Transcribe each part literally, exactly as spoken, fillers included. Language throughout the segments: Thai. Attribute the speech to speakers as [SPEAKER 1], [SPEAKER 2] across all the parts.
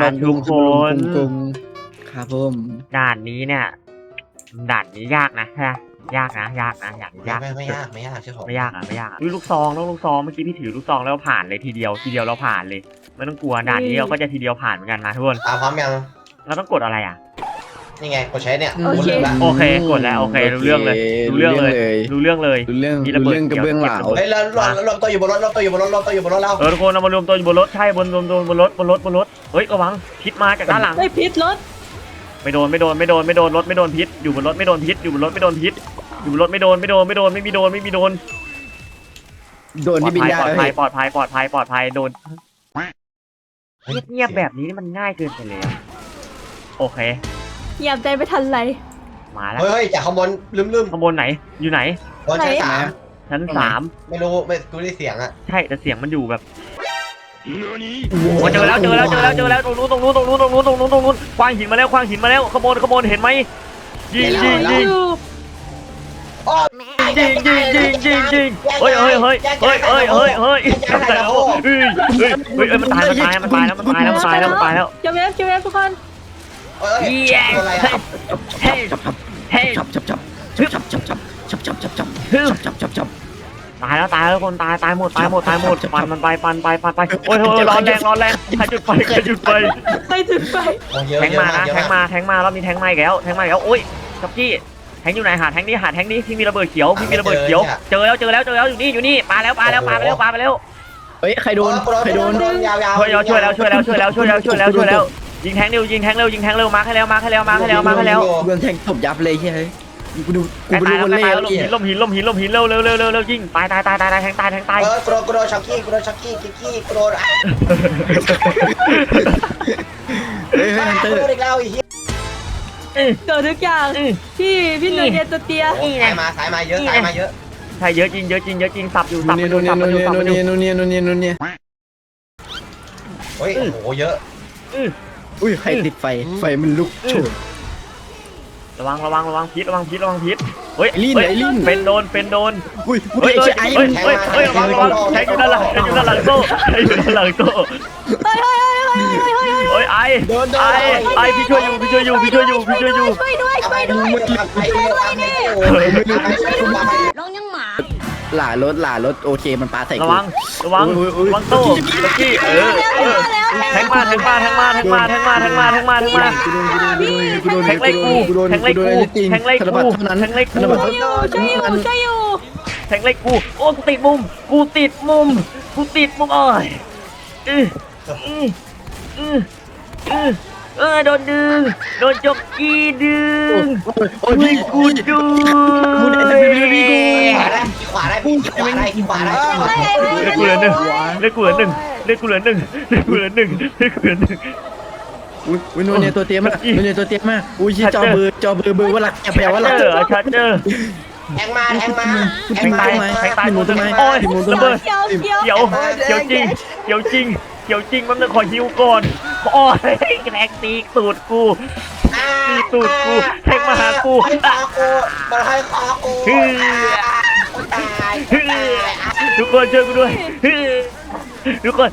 [SPEAKER 1] ทุกคน
[SPEAKER 2] ครับผม
[SPEAKER 1] ด่านนี้เนี่ยด่านนี้ยากนะฮะยากนะยากนะอย่างยาก
[SPEAKER 3] ไม่ไม่ยากไม่ยากใช่ผม
[SPEAKER 1] ไม่ยากอ่ะไม่ยากอ่ะอุ้ยลูกซองต้องลูกซองเมื่อกี้พี่ถือลูกซองแล้วผ่านเลยทีเดียวทีเดียวเราผ่านเลยไม่ต้องกลัวด่านนี้เราก็จะทีเดียวผ่านเหมือนกันนะทุกคน
[SPEAKER 3] อ่าพร้อมยัง
[SPEAKER 1] เราต้องกดอะไรอ่ะ
[SPEAKER 3] นี่ไงกดใช้เนี่ย
[SPEAKER 4] โอเค
[SPEAKER 3] ละ
[SPEAKER 1] โอเคกดแล้วโอเครู้เรื่องเลยรู้เรื่องเลยรู้เรื่องเลย
[SPEAKER 2] รู้เรื่อง
[SPEAKER 1] มีระ
[SPEAKER 2] รู้
[SPEAKER 1] เบิด
[SPEAKER 2] เรื่องกระเบื้องเหลา
[SPEAKER 3] เฮ้ยเราเราเราตัวอยู่บนรถเราตัวอยู่บนรถเราตัวอยู่บนรถเรา
[SPEAKER 1] เออทุกคนเรามารวมตัวอยู่บนรถใช่บนบนบนบนรถบนรถบนรถเฮ้ยระวังพิษมาจากด้านหลัง
[SPEAKER 4] ไม่พิษรถ
[SPEAKER 1] ไม่โดนไม่โดนไม่โดนไม่โดนรถไม่โดนพิษอยู่บนรถไม่โดนพิษอยู่บนรถไม่โดนพิษอยู่บนรถไม่โดนไม่โดนไม่โดนไม่มีโดนไม่มีโดน
[SPEAKER 2] โดนที่บินได้
[SPEAKER 1] ปลอดภัยปลอดภัยปลอดภัยปลอดภัยโดนเงียบๆแบบนี้มันง่ายเกินไปเลยโอเค
[SPEAKER 4] เหยียบใจไปทันไร
[SPEAKER 1] มาแล้ว
[SPEAKER 3] เฮ้ยจากข้างบนลืมลืม
[SPEAKER 1] ข้างบนไหนอยู่ไหน
[SPEAKER 3] บนชั้นสาม
[SPEAKER 1] ชั้นสาม
[SPEAKER 3] ไม่รู้ไม่กูได้เสียงอ่ะ
[SPEAKER 1] ใช่แต่เสียงมันอยู่แบบโอ้เจอแล้วเจอแล้วเจอแล้วเจอแล้วตรงนู้นตรงนู้นตรงนู้นตรงนู้นตรงนู้นตรงนู้นควางหินมาแล้วควางหินมาแล้วขโมยขโมยเห็นไหมยิงยิงยิง
[SPEAKER 3] อ๋อ
[SPEAKER 1] ยิงยิงยิงยิงยิงเฮ้ยเฮ้ยเฮ้ยเฮ้ยเฮ้ยเฮ้ยเฮ้ยทำอะไรแล้วเฮ้ยเฮ้ยเฮ้ยมันตายมันตายมันตายแล้วมันตายแล้วมันตายแล้วมันตายแล้ว
[SPEAKER 4] เก็บเวฟเก็บเวฟทุกคน
[SPEAKER 3] เฮ้ย
[SPEAKER 1] เย้
[SPEAKER 3] อะไรอ่ะ
[SPEAKER 1] เฮ้ยเฮ้ย
[SPEAKER 2] ชับชับชับชับชับชับชับชับชับชับชับชับชับชับ
[SPEAKER 1] ตายแล้วตายแล้วคนตายตายหมดตายหมดตายหมดปันมันไปปันไปปันไปโอ้ยโอ้ยร้อนแรงร้อนแรงใครจุดไฟใครจุดไฟ
[SPEAKER 4] ไปถึงไป
[SPEAKER 1] แทงมานะแทงมาแทงมารอบนี้แทงมาอีกแล้วแทงมาอีกแล้วโอ้ยจ็อกกี้แทงอยู่ไหนหาแทงนี้หาแทงนี้ที่มีระเบิดเขียวที่มีระเบิดเขียวเจอแล้วเจอแล้วเจอแล้วอยู่นี่อยู่นี่ปาแล้วปาแล้วปาไปแล้วปาไปแล้ว
[SPEAKER 2] เฮ้ยใครโดนใครโดน
[SPEAKER 3] ยาวยาว
[SPEAKER 1] ช่วยแล้วช่วยแล้วช่วยแล้วช่วยแล้วช่วยแล้วช่วยแล้วช่วยแล้วยิงแทงเร็วยิงแทงเร็วยิงแทงเร็วมาให้แล้วมาให้แล้วมาให้แล้วมาให้แล้ว
[SPEAKER 2] โดนแทงตบยับเลยใช่ไหมกูดูกู
[SPEAKER 1] ตาย
[SPEAKER 2] ไปดู
[SPEAKER 1] ตาย
[SPEAKER 2] คน
[SPEAKER 1] แล้ว
[SPEAKER 2] เล่
[SPEAKER 1] ตาย
[SPEAKER 2] ห์
[SPEAKER 1] แล้ว
[SPEAKER 2] เนี่ย
[SPEAKER 1] ล้มหินล้มหินล้มหินล้มหินเร็วเร็วเร็วเร็วเร็วยิงตายตายตายตายตายแทงตายแทงตาย
[SPEAKER 3] เออกูโดนกูโดนช็อกกี้กูโดนช็อกกี้กิ๊กกี้กูโดนอ่ะ
[SPEAKER 2] เฮ้ยเฮ้ยฮันเตอ
[SPEAKER 3] กู
[SPEAKER 2] ร์
[SPEAKER 3] โดนอีกแล้วไอ้เหี้ย
[SPEAKER 4] เกิดทุกอย่างพี่พี่หนุ่ยเดียตัวเตี้ย
[SPEAKER 3] สายมาสายมาเยอะสายมาเยอะ
[SPEAKER 1] ใช่เยอะจริงเยอะจริงเยอะจริงสับอยู่สับ
[SPEAKER 2] นู่
[SPEAKER 1] มัน นอยู่
[SPEAKER 2] นี่
[SPEAKER 1] สับมันอยู่สับ
[SPEAKER 2] นู่
[SPEAKER 1] มัน นอยู่
[SPEAKER 2] นี่นู่นนี่นู่นนี่นู่นนี่
[SPEAKER 3] เฮ้ยโอ้โหเยอะ
[SPEAKER 2] อุ้ยใครติดไฟไฟมันลุกโชน
[SPEAKER 1] ระวังระวังระวังพิษระวังพิษระวังพิษเฮ้ย
[SPEAKER 2] ไอ้ลิ้น
[SPEAKER 1] เฮ้ย
[SPEAKER 2] ไอ้ลิ้น
[SPEAKER 1] เป็นโดนเป็นโดน
[SPEAKER 2] อุ้ย
[SPEAKER 1] เฮ้ย
[SPEAKER 2] ไอ้
[SPEAKER 1] เฮ้ย
[SPEAKER 2] ไอ้
[SPEAKER 1] เฮ้ยเฮ้ยเฮ้ยระวังระวังแทงอยู่ด้านหลังแทงอยู่ด้านหลังโซ่แทงอยู่ด้านหลังโซ่
[SPEAKER 4] เฮ้ยเฮ้ยเฮ้ยเฮ้ยเฮ้ยเฮ้ย
[SPEAKER 1] เฮ้ยไอ้ไอ้ไอ้พี่ช่วยอยู่พี่ช่วยอยู่พี่ช่วยอยู่พี่ช่วยอยู่
[SPEAKER 4] ช่วยด้วย
[SPEAKER 3] ทำ
[SPEAKER 4] ช่
[SPEAKER 3] ไม
[SPEAKER 4] วย
[SPEAKER 3] ด้
[SPEAKER 4] ด้
[SPEAKER 3] ว
[SPEAKER 4] วยย
[SPEAKER 3] ทำไมด้วยทำไมด้วยไม่รู้ไม่รู้ทำไม
[SPEAKER 4] ลงยังหมา
[SPEAKER 2] หล่ารถหล่ารถโอเคมันปาใส่
[SPEAKER 1] ระวังระวังระวังโซ่ตะกี้เออเออแทงมาแทงมาแทงมาแทงมาแทงมาแทงมาแทงมาแทงมา
[SPEAKER 2] กูโดน
[SPEAKER 1] แทงไล่กูแทงไล่กูแทงไล่กูแทงไล่กู
[SPEAKER 4] ช่วยอยู่ช่วยอยู่ช่วยอยู่
[SPEAKER 1] แทงไล่กูโอ้กูติดมุมกูติดมุมกูติดมุมเอ้ยอืออืออืออือเออโดนดึงโดนจ็อกกี้ดึง
[SPEAKER 2] โอ้ยพี่
[SPEAKER 1] กูดึง
[SPEAKER 2] กูได้พี่พี่กู
[SPEAKER 3] ขวาได้ขวาได้ขวาได้ขวาได้
[SPEAKER 1] เลือดกูเหลือหนึ่งเลือดกูเหลือหนึ่งเลือดกูเหลือหนึ่งเลือดกูเหลือหนึ่งเลือดกูเหลือหนึ่ง
[SPEAKER 2] อุ้ยอุ้ยนู่นเนี่ยตัวเตี้ยมากนู่นเนี่ยตัวเตี้ยมากอุ้ยจอเบอร์จอเบอร์เบอร์ว่าหลักแปลว่าหลัก
[SPEAKER 1] เจอชาร์เจอร์
[SPEAKER 3] แทงมาแทงมา
[SPEAKER 1] แทงตายแทงตายหมดเลยโอ้ยระเบิด
[SPEAKER 4] เขียวเขียว
[SPEAKER 1] เขียวเขียวจริงเขียวจริงเขียวจริงมันต้องขอฮิวก่อนโอ้ยแรงตีตูดกูตีตูดกูแทงมาหากู
[SPEAKER 3] ให้คอกูมันให้คอกูตาย
[SPEAKER 1] ทุกคนช่วยกูด้วยทุกคน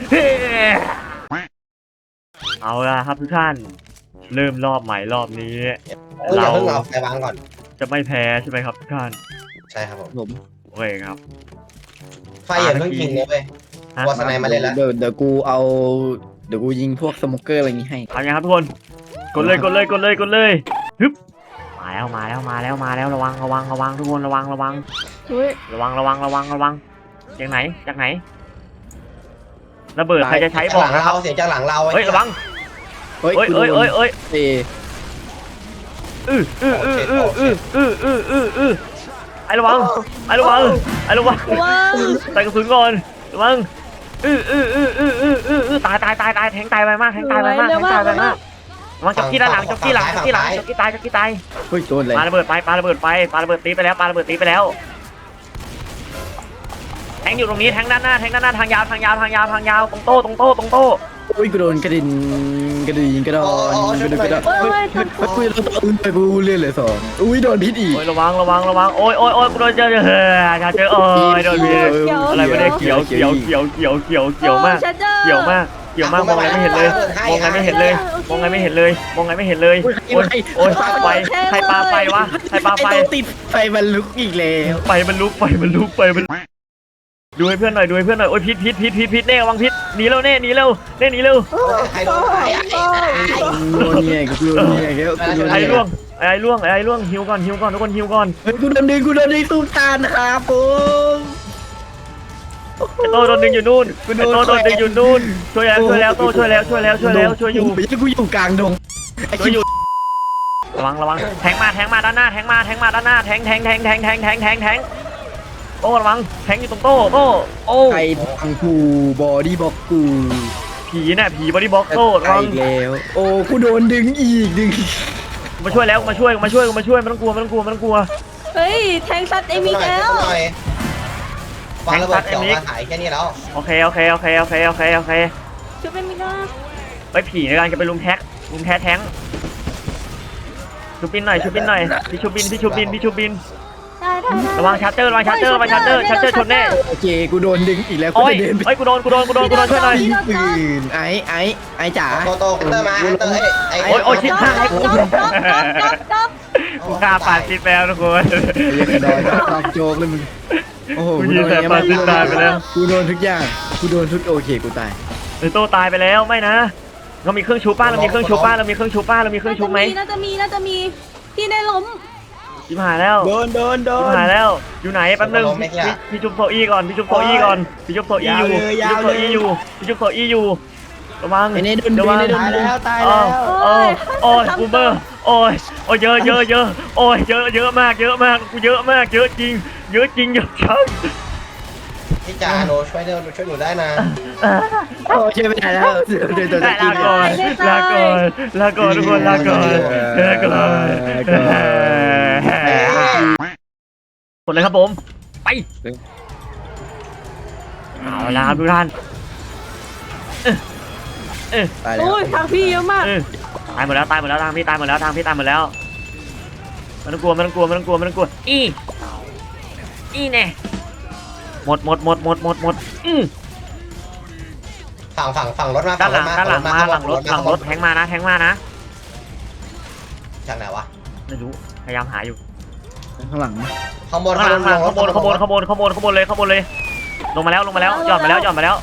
[SPEAKER 1] เอาละครับทุกท่านเริ่มรอบใหม่รอบนี้
[SPEAKER 3] เราเพิ่งเอาไฟวางก่อน
[SPEAKER 1] จะไม่แพ้ใช่ไหมครับทุกท่าน
[SPEAKER 3] ใช่ครับผม
[SPEAKER 2] ผม
[SPEAKER 1] โอเคครับ
[SPEAKER 3] ไฟอย่าเพิ่งยิงเลยเว้ย วอสไนมาเลยแล้ว
[SPEAKER 2] เดี๋ยวเดี๋ยวกูเอาเดี๋ยวกูยิงพวกสโมเกอร์อะไรนี้ให้
[SPEAKER 1] ทำยังครับทุกคนกดเลยกดเลยกดเลยกดเลยฮึบมาแล้วมาแล้วมาแล้วมาแล้วระวังระวังระวังทุกคนระวังระวัง
[SPEAKER 4] อุ้ย
[SPEAKER 1] ระวังระวังระวังระวังจากไหนจากไหนระเบิดใครจะใช้บอกนะครับ
[SPEAKER 3] เสียงจากหลังเรา
[SPEAKER 1] เฮ้ยระวัง
[SPEAKER 2] เฮ้ย
[SPEAKER 1] เอ้ยเอ้ยเอ้ยเอ้ย
[SPEAKER 2] เอ
[SPEAKER 1] อืออืออืออืออืออืออืออืออือไอ้ระวังไอ้ระวังไอ้ระวัง
[SPEAKER 4] ว้าว
[SPEAKER 1] ใส่กระสุนก่อนระวังอืออืออืออืออืออืออือตายตายตายตายแทงตายไปมากแทงตายไปมากแทงตายไปมากระวังจ็อกกี้ด้านหลังจ็อกกี้หลังจ็อกกี้หลังจ็อกกี้ตายจ็อกกี้ตาย
[SPEAKER 2] เฮ้ยโดนเลย
[SPEAKER 1] ปาระเบิดไปปาระเบิดไปปาระเบิดตีไปแล้วปาระเบิดตีไปแล้วแทงอยู่ตรงนี้แทงด้านหน้าแทงด้านหน้าทางยาวทางยาวทางยาวทางยาวตรงโต๊ะตรงโต๊ะตรงโต๊ะ
[SPEAKER 2] อุ้ยกูโดนกระดิ่งกระดิ่งกระดอนกระดิ่งกระดอนเฮ้ยเฮ้ยกูโดนตัวอื่นไปกูเลื่อนเลยสองอุ้ยโดนพิษอีก
[SPEAKER 1] โอ้ยระวังระวังระวังโอ้ยโอ้ยโอ้ยกูโดนเจอเจอเฮ้ยเจอโอ้ยโดนพิษอะไรไม่ได้เขียวเขียวเขียวเขียวเขียวเขียวมาก
[SPEAKER 4] ชัดเจอ
[SPEAKER 1] เขียวมากขียวมากมองไงไม่เห็นเลยมองไงไม่เห็นเลยมองไงไม่เห็นเลยมองไงไม่เห็นเลยโอ้ยโอ้ยไฟใครปาไฟวะใครปาไฟ
[SPEAKER 2] ไอ้ตัวติดไฟมันลุกอีกแล้ว
[SPEAKER 1] ไฟมันลุกไฟมันลุกไฟมันดูให้เพื่อนหน่อยดูให้เพื่อนหน่อยโอ้ยพิษพิษพิษพิษพิษเน่ระวังพิษหนีเร็วเน่หนีเร็วเน่หนีเร็ว
[SPEAKER 3] ใครโดนใคร
[SPEAKER 2] โดนเนี่ยกูโดนเนี่ยแล้วกูโดน
[SPEAKER 1] ไอ้
[SPEAKER 2] เนี่ย
[SPEAKER 1] ล่วงไอ้ล่วงไอ้ล่วงฮิวก่อนฮิวก่อนทุกคนฮิวก่อน
[SPEAKER 2] เฮ้ยกูโดนดึงกูโดนดึงสู้ทานครับผม
[SPEAKER 1] ไอ้โตโดนดึงอยู่นู่นไอ้โตโดนดึงอยู่นู่นช่วยแล้วช่วยแล้วโตช่วยแล้วช่วยแล้วช่วยแล้วช่วยอยู่
[SPEAKER 2] ไม่ใช่กูอยู่กลางดงไอ้
[SPEAKER 1] ช่วย
[SPEAKER 2] คิ
[SPEAKER 1] อ
[SPEAKER 2] ว
[SPEAKER 1] ยู่ระวังระวังแทงมาแทงมาด้านหน้าแทงมาแทงมาด้านหน้าแทงแทงแทงแทงแทงแทงแทงแทงโต้ระวังแทงอยู่ตรงโต้โต้โอ้
[SPEAKER 2] ไอ้ทางกูบอดี้บ็อกกู
[SPEAKER 1] ผีน่ะผีบอดี้บ็อกโต้ระวัง
[SPEAKER 2] อีกแล้วโอ้กูโดนดึงอีกดึง
[SPEAKER 1] มาช่วยแล้วมาช่วยมาช่วยมาช่วยไม่ต้องกลัวไม่ต้องกลัวไม่ต้องกลัว
[SPEAKER 4] เฮ้ยแทงซัดเอมิกแล้ว
[SPEAKER 3] วางระเบิดจ่อมาถ่ายแค่นี้แล้ว
[SPEAKER 1] โอเคโอเคโอเคโอเคโอเคโอเค
[SPEAKER 4] ชุบเอมิกแล้ว
[SPEAKER 1] ไปผีในการจะไปลุมแท็กลุมแท้แทงชูบินหน่อยชูบินหน่อยพี่ชูบินพี่ชูบินพี่ชูบิน
[SPEAKER 4] ได้ได้ได้
[SPEAKER 1] ระวังชาร์เจอร์ระวังชาร์เจอร์ระวังชาร์เจอร์ชาร์เจอร์ชนแน่
[SPEAKER 2] โอเคกูโดนดึงอีกแล้วกู
[SPEAKER 1] โอ้ย
[SPEAKER 2] จะเดินไป
[SPEAKER 1] เฮ้ยกูโดนกูโดนกูโดนกูโดนช่วยหน่อย
[SPEAKER 2] ยิงปืนไอ้ไอ้ไอ้จ๋า
[SPEAKER 3] โตโตคุณเตอร์มาเตอร์ไอ้
[SPEAKER 1] โอ้ยโอ้ยชิบหาย
[SPEAKER 4] จ๊อบจ๊อบจ๊อบจ๊อบจ๊อบ
[SPEAKER 1] กูฆ่าปาดซิดแล้วทุกคน
[SPEAKER 2] เรียกกระดอนตอกโจกเลยมึงโอ้โห
[SPEAKER 1] กูยิงแต่ปาดซิดตายไปแล้ว
[SPEAKER 2] กูโดนทุกอย่างกูโดนทุกโอเคกูตาย
[SPEAKER 1] ไอ้โตตายไปแล้วไม่นะเรามีเครื่องชูป้าเรามีเครื่องชูป้าเรามีเครื่องชูป้าเรามีเครื่องชูไหม
[SPEAKER 4] น่าจะมีน่าจะมีพี่ได้ล้ม
[SPEAKER 1] ชิบหายแล้ว
[SPEAKER 2] โดนโดนโด
[SPEAKER 1] ชิบ
[SPEAKER 2] น
[SPEAKER 1] หายแล้วอยู่ไหนแป๊บนึงพี่พี่จุ๊บโซอี้ก่อนพี่จุ๊บโซอี้ก่อนพี่จุ๊บโซอี้อยู่พี่จุ๊บโซอี้อยู่พี่จุ๊บโซอี้อยู่ระวัง
[SPEAKER 2] ไอ้เนี่ยโดน
[SPEAKER 1] ระ
[SPEAKER 2] ดึ
[SPEAKER 1] วั
[SPEAKER 2] ง
[SPEAKER 1] ง
[SPEAKER 2] ไอ้โดนดึง
[SPEAKER 3] ตาย
[SPEAKER 1] โอ้
[SPEAKER 3] แล้ว
[SPEAKER 1] โอ้โอ้ยบูมเบอร์โอ้ยโอ้ยเยอะเยอะเยอะโอ้ยเยอะเยอะมากเยอะมากกูเยอะมากเยอะจริงเยอะจริงเยอะจัง
[SPEAKER 3] พี่จ่าหนูช่วยเดินช่วยหนูได้นะ
[SPEAKER 2] โอ้ช่วยไม่ได้แล้วเดี๋ยวเดี๋ยว
[SPEAKER 1] ได้
[SPEAKER 2] จะกิ
[SPEAKER 1] ลาน ก่อนลาก่อนลาก่อนทุกคนลาก่อนลาก่อนหมดเลยครับผมไปเอาละครับทุกท่าน
[SPEAKER 2] ตายแล้ว
[SPEAKER 4] โอ้ยทางพี่เยอะมาก
[SPEAKER 1] เออตายหมดแล้วตายหมดแล้วทางพี่ตายหมดแล้วทางพี่ตายหมดแล้วไม่ต้องกลัวไม่ต้องกลัวไม่ต้องกลัวไม่ต้องกลัวอีอีแน่หมดหมดหมดหมดหมดหมดอือ
[SPEAKER 3] ฝั่งฝั่งฝั่งรถมา
[SPEAKER 1] ด้านหลังด้านหลังมาหลังรถหลังรถแทงมานะแทงมานะ
[SPEAKER 3] จากไหนวะ
[SPEAKER 1] ไม่รู้พยายามหาอยู่
[SPEAKER 2] ข้างหลัง
[SPEAKER 3] ข้างบน
[SPEAKER 1] ข้างหลังข้างบนข้างบนข้างบนข้างบนข้างบนเลยข้างบนเลยลงมาแล้วลงมาแล้วหย่อนมาแล้วหย่อนมาแล้ว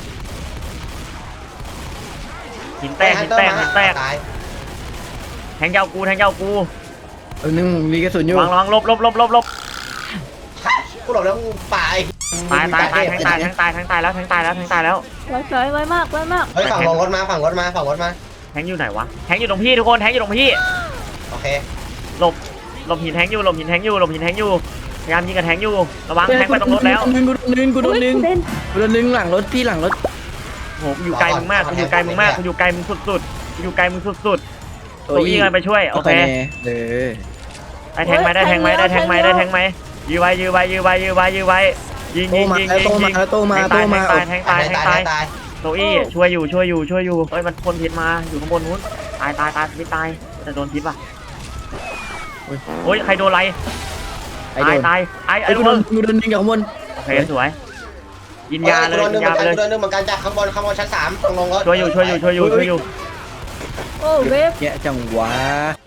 [SPEAKER 1] หินแตกหินแตกหินแตก
[SPEAKER 3] ตาย
[SPEAKER 1] แทงยาวกูแทงยาวกู
[SPEAKER 2] เออนึงมีกระสุนอยู่
[SPEAKER 1] วางระวังลบลบลบลบลบ
[SPEAKER 3] กูหลบแล้วตาย
[SPEAKER 1] ตายตายตายแทงตายแทงตายแทงตายแล้วแทงตายแล้วแทงตายแล้ว
[SPEAKER 4] ไว้สวยไว้มากไว้มาก
[SPEAKER 3] เฮ้ยฝั่งลงรถมาฝั่งรถมาฝั่งรถมา
[SPEAKER 1] แทงอยู่ไหนวะแทงอยู่ตรงพี่ทุกคนแทงอยู่ตรงพี่
[SPEAKER 3] โอเค
[SPEAKER 1] หลบหลบหินแทงอยู่หลบหินแทงอยู่หลบหินแทงอยู่พยายามยิงกับแทงอยู่ระวังแทงไปตรงรถแล้ว
[SPEAKER 2] กูโดนดึงกูโดนดึง
[SPEAKER 4] เล่น
[SPEAKER 2] กูโดนดึงหลังรถพี่หลังรถ
[SPEAKER 1] โหกูอยู่ไกลมึงมากกูอยู่ไกลมึงมากกูอยู่ไกลมึงสุดๆกูอยู่ไกลมึงสุดๆตัวอี้กันไปช่วยโอเค
[SPEAKER 2] เออ
[SPEAKER 1] ได้แทงไหมได้แทงไหมได้แทงไหมได้แทงไหมยื้อไว้ยื้อไว้ยื้อไว้ยื้อไว้ยื้อไว้ยิง
[SPEAKER 2] โต
[SPEAKER 1] ยิง
[SPEAKER 2] มา
[SPEAKER 1] ยิง
[SPEAKER 2] แล้ว
[SPEAKER 1] ยิง
[SPEAKER 2] โต
[SPEAKER 1] ยิ
[SPEAKER 2] มาง แล้วโตมาโตมา
[SPEAKER 1] แทงตายแทงตายแทงตาย
[SPEAKER 3] ตาย
[SPEAKER 1] โซอี้ช่วยอยู่ช่วยอยู่ช่วยอยู่เอ้ยมันพ่นพิษมาอยู่ข้างบนนู้นตายตายตายไม่ตายแต่โดนพิษป่ะโอ้ยใครโดนอะไร
[SPEAKER 2] ไอ้
[SPEAKER 1] ตาย
[SPEAKER 2] โดน
[SPEAKER 1] ตายไอ้
[SPEAKER 2] ไอ้
[SPEAKER 1] ไอ้
[SPEAKER 2] กู
[SPEAKER 1] ลูก
[SPEAKER 2] โด
[SPEAKER 1] มึ
[SPEAKER 2] น
[SPEAKER 1] ง
[SPEAKER 2] กูโดนดึงจากข้างบน
[SPEAKER 1] โอเคสวยกินยาเลย
[SPEAKER 3] กูโดน
[SPEAKER 1] กิ
[SPEAKER 3] นึ
[SPEAKER 1] น
[SPEAKER 3] งเหมื
[SPEAKER 1] ยา
[SPEAKER 3] อน
[SPEAKER 1] ไป
[SPEAKER 3] กัน
[SPEAKER 1] เลย
[SPEAKER 3] กูโดนนึงเหมือนกันจากข้างบนข้างบนชั้นสามตรงลงรถ
[SPEAKER 1] ช่วยอยู่ช่วยอยู่ช่วยอยู่ช่วยอยู่
[SPEAKER 4] โอ้เวฟ
[SPEAKER 2] แกจังหวะ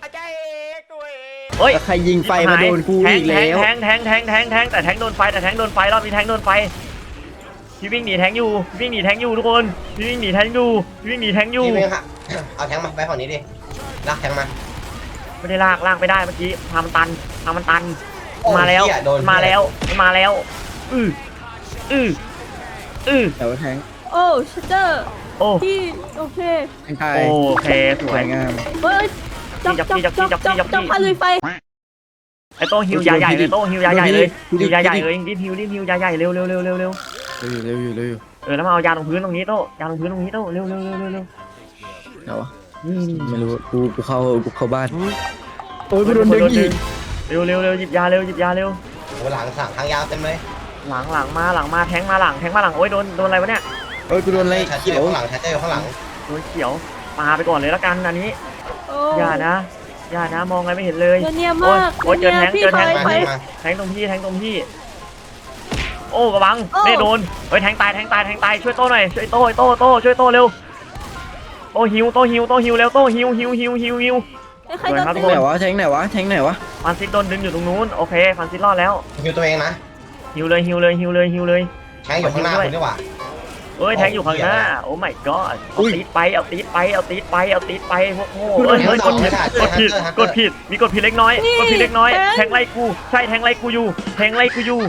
[SPEAKER 1] เฮ้ย
[SPEAKER 2] แล้วใครยิงไฟมาโดนกูอีกแล้ว
[SPEAKER 1] แทงแทงแทงแทงแทงแต่แทงโดนไฟแต่แทงโดนไฟรอบนี้แทงโดนไฟพี่วิ่งหนีแทงอยู่วิ่งหนีแทงอยู่ทุกคนพี่วิ่งหนีแทงอยู่วิ่งหนีแทงอยู่
[SPEAKER 3] พี่เมงค่ะเอาแทงมาไปฝั่งนี้ดิลากแทงมา
[SPEAKER 1] ไม่ได้ลากลากไม่ได้เมื่อกี้ทางมันตันทางมันตันมาแล้วมาแล้วมาแล้วอืออืออือ
[SPEAKER 2] แต่ว่าแทง
[SPEAKER 4] โอ้ชัตเตอร์
[SPEAKER 1] โอ้
[SPEAKER 4] พี่โอเค
[SPEAKER 2] แทงตาย
[SPEAKER 1] โอเคส
[SPEAKER 2] ส
[SPEAKER 1] ว
[SPEAKER 2] วย ยงาม
[SPEAKER 4] เฮ้ยจับจับจับจับจับจับพาลุยไฟ
[SPEAKER 1] ไอ้โต้ฮิวยาใหญ่เลยโต้ฮิวยาใหญ่เลยฮิวยาใหญ่เลยรีบฮิวรีบฮิวยาใหญ่เร็วเร็วเร็วเร็วเร็ว
[SPEAKER 2] เร็วอยู่เร็วอยู่
[SPEAKER 1] เออแล้วมาเอายาตรงพื้นตรงนี้โต้ยาตรงพื้นตรงนี้โต้เร็วเร็วเร็วเร็วเร็ว
[SPEAKER 2] เดี๋ยว
[SPEAKER 1] นี่
[SPEAKER 2] ไม่รู้กูกูเข้ากูเข้าบ้านโอ้ยกูโดนดึงอีก
[SPEAKER 1] เร็วเร็วเร็วหยิบยาเร็วหยิบยาเร็ว
[SPEAKER 3] หลังสั่งทางยาวเต็มเลย
[SPEAKER 1] หลังหลังมาหลังมาแทงมาหลังแทงมาหลังโอ้ยโดนโดนอะไรวะเนี่ย
[SPEAKER 2] โอ้ยกูโดนอะไร
[SPEAKER 3] ชาเจอ
[SPEAKER 2] เขีย
[SPEAKER 3] ร์
[SPEAKER 2] ว
[SPEAKER 3] ข้างหลังชาเจอร์ข้างหลัง
[SPEAKER 1] โดนเขียวปาไปก่อนเลยละกันอันนี้
[SPEAKER 4] โอ้
[SPEAKER 1] อย่านะอย่านะมองอะไรไม่เห็นเลย
[SPEAKER 4] เนียมาก
[SPEAKER 1] โอ้ยเจอแทง
[SPEAKER 4] พี่
[SPEAKER 1] เจอ
[SPEAKER 4] ไฟ
[SPEAKER 1] แทง
[SPEAKER 3] มา
[SPEAKER 4] ไฟ
[SPEAKER 3] มา
[SPEAKER 1] แทงตรงพี่แทงตรงพี่โอ้กระบัง
[SPEAKER 4] โอ้
[SPEAKER 1] นี่โดนเฮ้ยแทงตายแทงตายแทงตายช่วยโต้หน่อยช่วยโต้โต้โต้ช่วยโต้เร็วโตฮิวโตฮิวโตฮิวแล้วโตฮิวฮิวฮิวฮิวฮิว
[SPEAKER 4] ใครโดน
[SPEAKER 1] ครับทุ
[SPEAKER 2] แท
[SPEAKER 1] ก
[SPEAKER 2] ง
[SPEAKER 1] ค
[SPEAKER 2] ไหนวะแทงไหนวะแทงไหนวะ
[SPEAKER 1] ฟันซิดโดนดึงอยู่ตรงนู้นโอเคฟันซิดรอดแล้ว
[SPEAKER 3] ฮิวตัวเองนะ
[SPEAKER 1] ฮิวเลยฮิวเลยฮิวเลยฮิวเลย
[SPEAKER 3] แทงอยู่ข้างหน้าคุณดีกว่า
[SPEAKER 1] เอ้ยแทงอยู่ข้างหน้าโอ้ my god เอาตีดไปเอาตีดไปเอาตีดไปเอาตีดไปพวกโง่เอ้ยเฮ้ยกดผิดกดผิดกดผิดมีกดผิดเล็กน้อยกดผิดเล็กน้อยแทงไล่กูใช่แทงไล่กูอยู่แทงไล่กูอยู่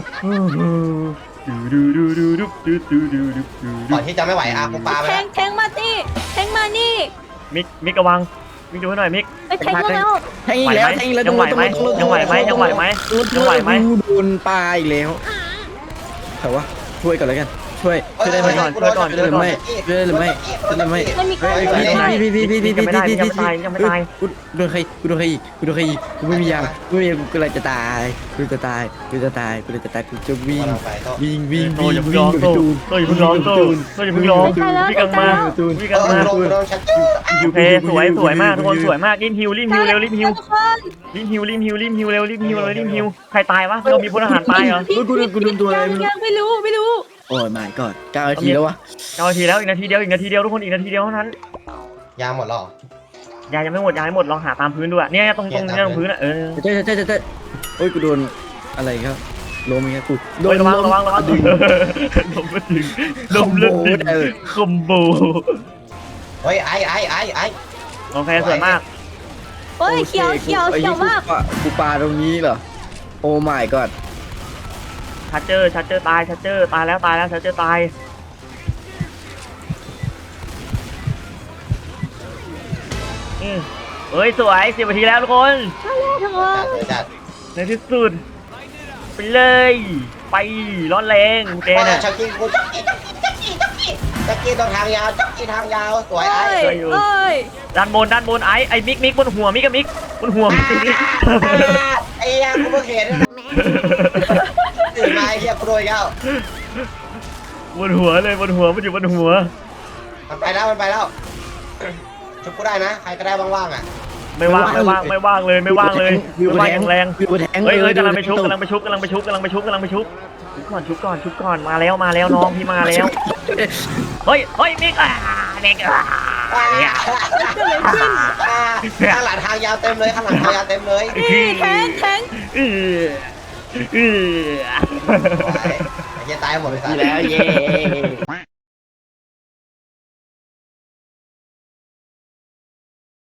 [SPEAKER 3] ก่อนที่จะไม่ไหวอากูปาไป
[SPEAKER 4] แท
[SPEAKER 3] แล้
[SPEAKER 4] ง
[SPEAKER 3] ว
[SPEAKER 4] แทงมานี่แทงมานี่
[SPEAKER 1] มิกมิกระวังมิกดูให้หน่อยมิก
[SPEAKER 4] ไปแทงมาแล้ว
[SPEAKER 2] แทงอีกแล้วแทงอีกแล้ว
[SPEAKER 1] ยังไหวไหมยังไหวไหมยังไหวไหมยังไหวไหม
[SPEAKER 2] โดนปลาอีกแล้วแต่ว่าช่วยก่อนแล้วกันช่วยช่วยได้ไหม
[SPEAKER 1] ช่วยก่อนช่วยก่อน
[SPEAKER 2] ช่วยได้หรือไม่ช่วยได้หรือไม่ช่วยได้ไหม
[SPEAKER 4] ไม่มีใคร
[SPEAKER 2] พี่พี่พี่พี่พี่พี่
[SPEAKER 1] ยังไม่ได้
[SPEAKER 2] พี่
[SPEAKER 1] ยังไม่ตายยังไม่ตาย
[SPEAKER 2] กูโดนใครกูโดนใครอีกกูโดนใครอีกกูไม่มียากูไม่มีกูเลยจะตายกูจะตายกูจะตายกูจะตายกูจะวิ่ง
[SPEAKER 3] กำลังไปโต้
[SPEAKER 2] วิ่งวิ่ง
[SPEAKER 1] โต
[SPEAKER 2] วิ่ง
[SPEAKER 1] อย่าเพิ่ง
[SPEAKER 2] วิ่
[SPEAKER 1] ร้
[SPEAKER 2] ง
[SPEAKER 1] อง
[SPEAKER 2] กับ
[SPEAKER 1] โต
[SPEAKER 2] จูน
[SPEAKER 1] โตอย่าเพิ่งร้องโตโตอย่าเพิ่งร้องวิ่งกันมาวิ่ง
[SPEAKER 3] เอ
[SPEAKER 1] กัน
[SPEAKER 3] อ
[SPEAKER 1] มา
[SPEAKER 3] ลงลงชัด
[SPEAKER 1] โอเคสวยสวยมากทุกคนสวยมากรีบฮิวรีบฮิวเร็วรีบฮิว
[SPEAKER 4] ทุกคน
[SPEAKER 1] รีบฮิวรีบฮิวรีบฮิวเร็วรีบฮิวเลยรีบฮิวใครตายวะเรามีพลทหารตายเหรอ
[SPEAKER 2] กูกูกูโดนตัวอะไร
[SPEAKER 4] ยังไม่รู้ไม่รู้
[SPEAKER 2] โอ้ยไม่ก่อนเก้านาทีแล้ววะ
[SPEAKER 1] เก้านาทีแล้วอีกนาทีเดียวอีกนาทีเดียวทุกคนอีกนาทีเดียวเท่านั้น
[SPEAKER 3] ยาหมดหรอย
[SPEAKER 1] ายังไม่หมดยาไม่หมดลองหาตามพื้นดูอะเนี่ยตรงตรงนี้ตรงพื้นอะเออ
[SPEAKER 2] ใช่ใช่ใช่ใช่โอ้ยกูโดนอะไรครับล้มครับกูโด
[SPEAKER 1] โด
[SPEAKER 2] น
[SPEAKER 1] นระวังระวังระวัง
[SPEAKER 2] ดึง
[SPEAKER 1] ลมมาถึงลมเลือดดึงคอมโบ
[SPEAKER 3] เฮ้ยไอ้ไอ้ไอ้ไอ้
[SPEAKER 1] โอเคสวยมาก
[SPEAKER 4] เฮ้ยเขียวเขียวเขียวมาก
[SPEAKER 2] กูปาตรงนี้เหรอโอ้ my god
[SPEAKER 1] ชัดเจอชัดเจอตายชัดเจอตายแล้วตายแล้วชัดเจอตายอืมเฮ้ยสวยสิบนาทีแล้วทุกคน
[SPEAKER 4] ทุกค
[SPEAKER 3] จั
[SPEAKER 4] น
[SPEAKER 3] ดเลยจัด
[SPEAKER 1] ในที่สุดไปเลยไปร้อนแรงเจ
[SPEAKER 3] โอ้
[SPEAKER 1] น่ะ
[SPEAKER 3] ชักกี้กูชักกี้ชักกี้ชักกี้ชักกี้ชักกี้ตรงทางยาวชักกี้ทางยาวสวยไอ้
[SPEAKER 4] เอ้ยเอ้ย
[SPEAKER 1] ด้านบนด้านบนไอ้ไอ้มิกมิกบนหัวมิกกับมิกบนหัวมิกมิก
[SPEAKER 3] ไอ้ยังกูเพิ่งเห็นตื่นมาไอ้เหี้ยกูโดนแล้ว
[SPEAKER 1] บนหัวเลยบนหัวมันอยู่บนหัว
[SPEAKER 3] มันไปแล้วมันไปแล้วชุบกูได้นะใครก็ได้ว่างๆอ่ะ
[SPEAKER 1] ไม่ว่างไม่ว่างไม่ว่างเลยไม่ว่างเลยไม่ว่างอย่างแรง
[SPEAKER 2] วิวแทง
[SPEAKER 1] เฮ้ยเฮ้ยกำลังไปชุบกำลังไปชุบกำลังไปชุบกำลังไปชุบกำลังไปชุบชุบก่อนชุบก่อนชุบก่อนมาแล้วมาแล้วน้องพี่มาแล้วเฮ้ยเฮ้ยมิกอ่ะมิกอ่ะ
[SPEAKER 3] ข้างหลังทางยาวเต็มเลยข้างหลังทางยาวเต็มเลย
[SPEAKER 4] นี่แทงแทง
[SPEAKER 1] เออเออ
[SPEAKER 3] ไอ้เหี้ยตายหมดเลยสั
[SPEAKER 2] แล้วเย้